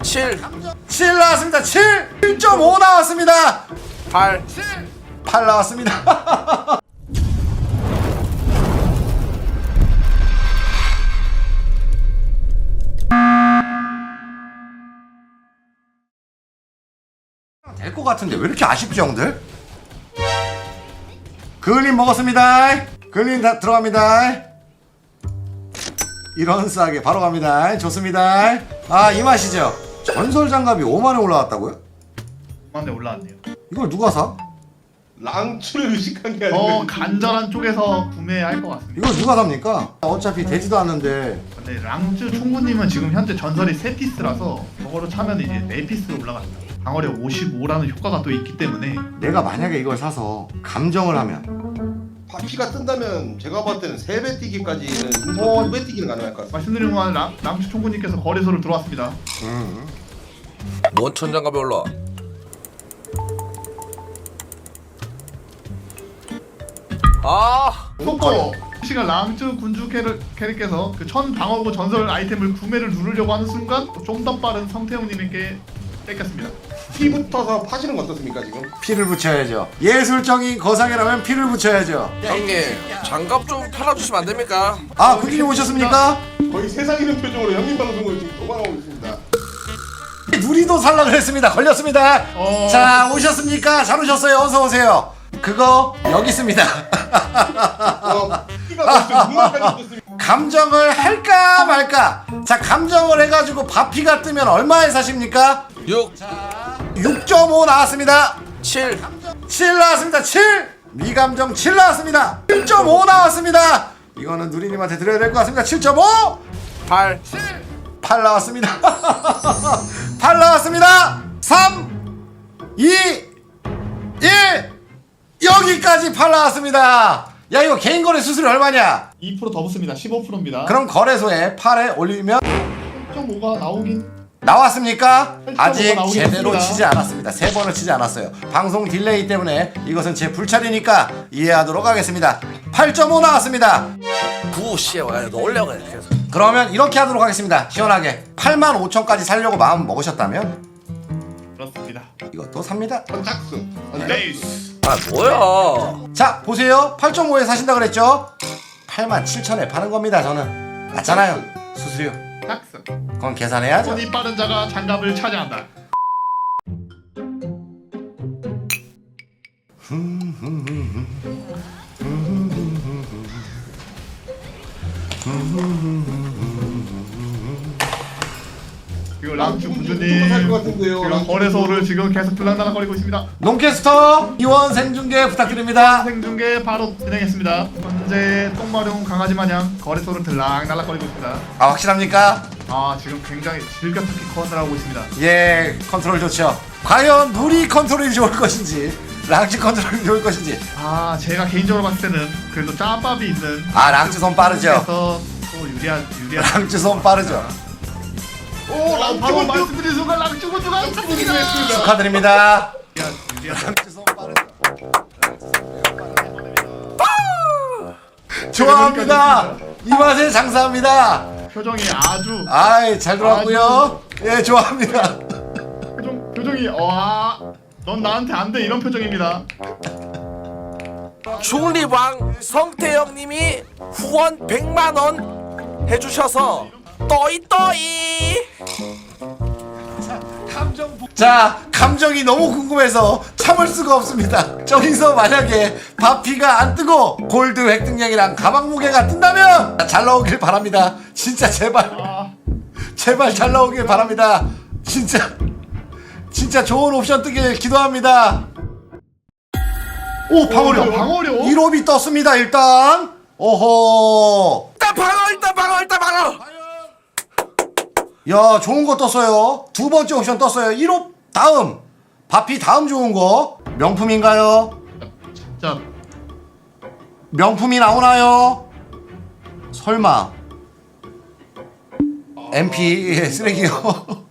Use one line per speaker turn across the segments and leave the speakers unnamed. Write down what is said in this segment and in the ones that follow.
7
7 나왔습니다. 7 1.5 나왔습니다.
8
8 나왔습니다. 될 것 같은데 왜 이렇게 아쉽지 형들? 그을린 먹었습니다. 그을린 다 들어갑니다. 이런 싸게 바로 갑니다. 좋습니다. 아, 이 맛이죠. 전설 장갑이 5만원 올라왔다고요?
5만에 올라왔네요.
이걸 누가 사?
랑추를 의식한 게 아니고
간절한 쪽에서 구매할 것 같습니다.
이걸 누가 삽니까? 어차피 되지도 않는데.
근데 랑쯔 총구님은 지금 현재 전설이 3피스라서 저거로 차면 이제 4피스로 올라갑니다. 방어력 55라는 효과가 또 있기 때문에
내가 만약에 이걸 사서 감정을 하면
바퀴가 뜬다면 제가 봤을 때는 3배 뛰기까지는 2배 뛰기는 가능할 것 같습니다.
말씀드린 동안 랑쯔 총구님께서 거래소를 들어왔습니다.
뭔 천장갑이 올라. 아
또 시간 랑쯔 군주 캐릭께서 그 천 방어구 전설 아이템을 구매를 누르려고 하는 순간 좀 더 빠른 성태형님에게 뺏겼습니다.
피 붙어서 파시는 거 어떻습니까 지금?
피를 붙여야죠. 예술적인 거상이라면 피를 붙여야죠.
형님 장갑 좀 팔아주시면 안 됩니까?
아, 군주님 오셨습니까?
거의 세상 이는 표정으로 형님 방송을 지금 도망하고 있습니다.
누리도 살라 그랬습니다. 걸렸습니다. 자, 오셨습니까? 잘 오셨어요. 어서 오세요. 그거 여기 있습니다.
피가 벌써 눈물까지 떴습니다.
감정을 할까 말까. 자, 감정을 해가지고 바피가 뜨면 얼마에 사십니까?
6
6.5 나왔습니다.
7
7 나왔습니다. 7 미감정 7 나왔습니다. 1.5 나왔습니다. 이거는 누리님한테 드려야 될 것 같습니다. 7.5
8
8 나왔습니다. 8 나왔습니다. 3 2 1 여기까지 8 나왔습니다. 야, 이거 개인 거래 수수료 얼마냐?
2%더 붙습니다. 15%입니다.
그럼 거래소에 8에 올리면
0.5가 나오긴
나왔습니까?
8.5가
아직
나오긴
제대로
했습니다.
치지 않았습니다. 3번을 치지 않았어요. 방송 딜레이 때문에 이것은 제 불찰이니까 이해하도록 하겠습니다. 8.5 나왔습니다.
9 씨야 너 올려 그래 계속.
그러면 이렇게 하도록 하겠습니다. 시원하게 85,000까지 살려고 마음 먹으셨다면
그렇습니다.
이것도 삽니다.
선착순.
네이스.
아 뭐야.
자, 보세요. 8.5에 사신다 그랬죠? 87,000에 파는 겁니다. 저는 맞잖아요. 수수료
탁스.
그건 계산해야죠.
손이 빠른 자가 장갑을 차지한다. 그리고 랑쯔 군주님
살것 같은데요.
지금 거래소를 지금 계속 들락날락거리고 있습니다.
농캐스터 이원 생중계 부탁드립니다.
생중계 바로 진행했습니다. 현재 똥마려운 강아지 마냥 거래소를 들락날락거리고 있습니다.
아, 확실합니까?
아 지금 굉장히 즐겁게 컨트롤 하고 있습니다.
예, 컨트롤 좋죠. 과연 누리 컨트롤이 좋을 것인지 랑치 컨트롤이 좋을 것인지.
아 제가 개인적으로 봤을 때는 그래도 짬밥이 있는
아, 랑치 손 빠르죠.
그래서 또 유리한
랑치 손 빠르죠.
오,
바로
랑추
말씀드린 순간 랑쯔 군주가 탑승이다.
축하드립니다.
유리한
랑치 손 빠르죠. 좋아합니다. 이 맛에 장사합니다.
표정이 아주
아이, 잘 들어왔고요. 예, 좋아합니다.
표정이 넌 나한테 안 돼 이런 표정입니다.
중립왕 성태형님이 후원 100만원 해주셔서 떠이
자, 감정이 너무 궁금해서 참을 수가 없습니다. 저기서 만약에 바피가 안 뜨고 골드 획득량이랑 가방 무게가 뜬다면 잘 나오길 바랍니다. 진짜 제발 제발 잘 나오길 바랍니다. 진짜 좋은 옵션 뜨길 기도합니다. 오, 방어력
방어력
1옵이 떴습니다. 일단 오호,
일단 방어
야, 좋은 거 떴어요. 두 번째 옵션 떴어요. 1호 다음 바피 다음 좋은 거 명품인가요?
자
명품이 나오나요? 설마 MP 쓰레기요.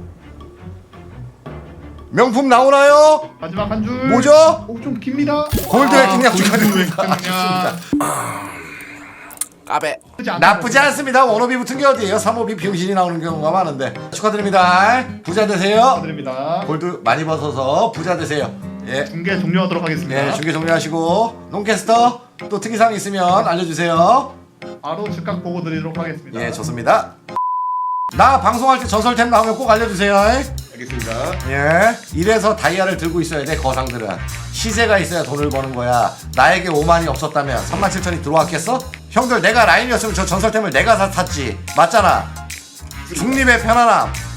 명품 나오나요?
마지막 한 줄.
뭐죠?
좀 깁니다.
골드 획득량
골드
축하드립니다.
획득량.
까베.
나쁘지 않습니다. 원호비 붙은 게 어디예요? 3호비 병신이 나오는 경우가 많은데 축하드립니다. 부자 되세요.
축하드립니다.
골드 많이 벗어서 부자 되세요. 예.
중계 종료하도록 하겠습니다.
예, 중계 종료하시고 농캐스터 또 특이사항 있으면 알려주세요.
바로 즉각 보고 드리도록 하겠습니다.
예, 좋습니다. 나 방송할 때 전설템 나오면 꼭 알려주세요.
알겠습니다.
예, 이래서 다이아를 들고 있어야 돼. 거상들은 시세가 있어야 돈을 버는 거야. 나에게 5만이 없었다면 37,000이 들어왔겠어? 형들 내가 라인이었으면 저 전설템을 내가 다 샀지. 맞잖아. 중립의 편안함.